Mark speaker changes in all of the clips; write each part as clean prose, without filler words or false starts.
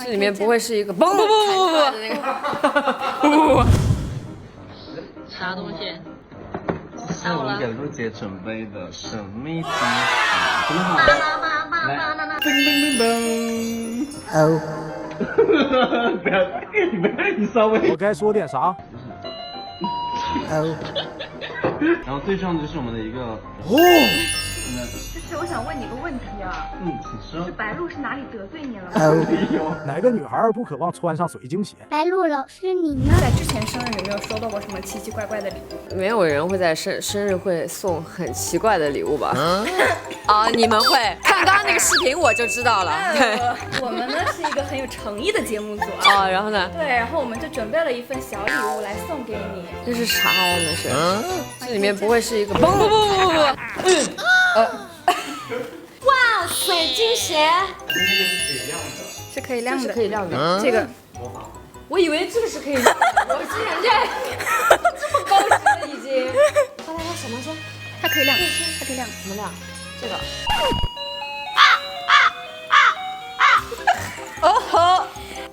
Speaker 1: 这里面不会是一个不的那个？
Speaker 2: 啥东西？
Speaker 3: 是我们给陆姐准备的神秘惊喜，真的好。来，噔噔噔噔。哦。不要，你稍微。
Speaker 4: 我该说点啥？
Speaker 3: 哦。然后最重要的就是我们的一个
Speaker 5: 就是我想问你个问题啊，
Speaker 3: 请说。
Speaker 5: 是白鹿是哪里得罪你了吗？
Speaker 4: 哪个女孩不渴望穿上水晶鞋？
Speaker 6: 白鹿老师，你呢？
Speaker 5: 在之前生日有没有收到过什么奇奇怪怪的礼物？
Speaker 1: 没有人会在生日会送很奇怪的礼物吧？啊，你们会看刚刚那个视频我就知道了。对，
Speaker 5: 我们呢是一个很有诚意的节目组啊。
Speaker 1: 哦，然后呢？
Speaker 5: 对，然后我们就准备了一份小礼物来送给你。
Speaker 1: 这是啥呀？那是？这里面不会是一个不？
Speaker 6: 哇，水晶鞋，
Speaker 5: 是可以亮的，
Speaker 1: 是可以亮的。
Speaker 5: 这个
Speaker 1: 我以为这个是可以亮的，我竟然这么高级了已经。刚才说什么说？
Speaker 5: 它可以亮，它可以亮。
Speaker 1: 怎么亮？这个。哦吼！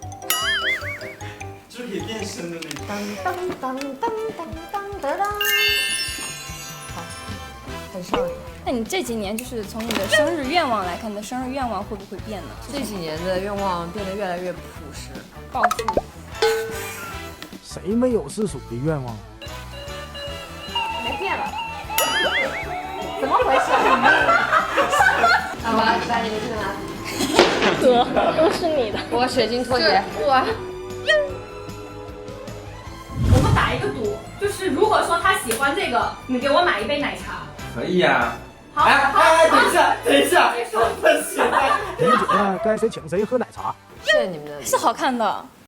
Speaker 3: 这可以变身的那种。
Speaker 1: 当当当当当当当。好，很少女。
Speaker 5: 那你这几年就是从你的生日愿望来看，你的生日愿望会不会变呢？
Speaker 1: 这几年的愿望变得越来越朴实。
Speaker 5: 暴富。
Speaker 4: 谁没有世俗的愿望？
Speaker 1: 没变了。怎么回事？好吧，来你们这个拿。
Speaker 5: 哥，都是你的。
Speaker 1: 我水晶拖鞋。
Speaker 5: 我们打一个赌，就是如果说他喜欢这个，你给我买一杯奶茶。
Speaker 3: 可以呀。
Speaker 5: 好，
Speaker 3: 等一下，不行。
Speaker 4: 你觉得该谁请谁喝奶茶？
Speaker 1: 谢谢你们的。
Speaker 5: 是好看的。